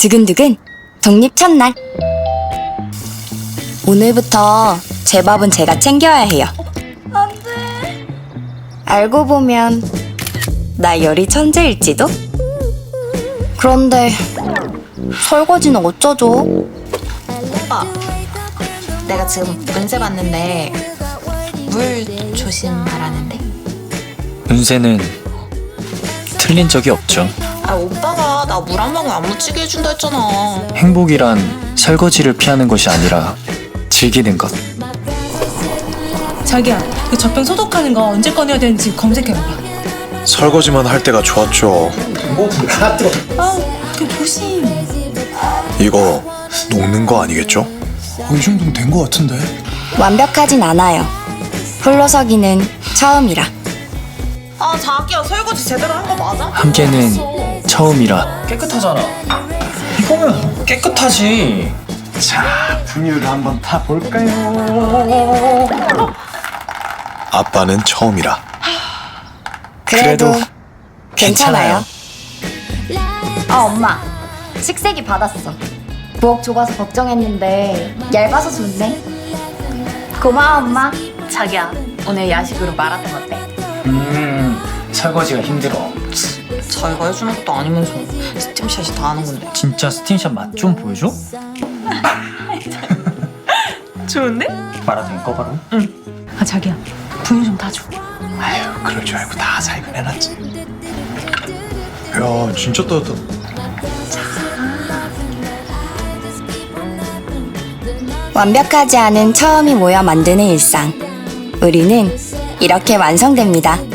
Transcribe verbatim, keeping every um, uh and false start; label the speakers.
Speaker 1: 두근두근 독립 첫날. 오늘부터 제 밥은 제가 챙겨야 해요. 안돼. 알고 보면 나 요리 천재일지도? 그런데 설거지는 어쩌죠?
Speaker 2: 오빠, 내가 지금 문세 봤는데 물 조심하라는데.
Speaker 3: 운세는 틀린 적이 없죠.
Speaker 2: 아, 오빠가 나 물 한 방울 안 묻히게 해준다 했잖아.
Speaker 3: 행복이란 설거지를 피하는 것이 아니라 즐기는 것.
Speaker 4: 자기야, 그 젖병 소독하는 거 언제 꺼내야 되는지 검색해봐봐.
Speaker 5: 설거지만 할 때가 좋았죠.
Speaker 4: 아, 그 조심.
Speaker 5: 이거 녹는 거 아니겠죠? 어, 이 정도면 된 거 같은데.
Speaker 1: 완벽하진 않아요. 홀로서기는 처음이라.
Speaker 2: 아, 자기야, 설거지 제대로 한 거 맞아?
Speaker 3: 함께는 처음이라.
Speaker 6: 깨끗하잖아. 이거면 깨끗하지.
Speaker 5: 자, 분유를 한번 타볼까요? 아빠는 처음이라.
Speaker 1: 그래도,
Speaker 3: 그래도
Speaker 1: 괜찮아요. 아, 엄마. 식세기 받았어. 부엌 좁아서 걱정했는데 얇아서 좋네. 고마워, 엄마.
Speaker 2: 자기야, 오늘 야식으로 마라탕 어때?
Speaker 3: 음, 설거지가 힘들어.
Speaker 2: 자기가 해주는 것도 아니면서 스팀샷이 다 하는 건데.
Speaker 3: 진짜 스팀샷 맛 좀 보여줘?
Speaker 2: 좋은데?
Speaker 3: 마라탕 꺼바로?
Speaker 4: 아, 자기야, 분유 좀 타줘.
Speaker 5: 아유, 그럴 줄 알고 다 살균해놨지. 야, 진짜 따뜻하다.
Speaker 1: 완벽하지 않은 처음이 모여 만드는 일상. 우리는 이렇게 완성됩니다.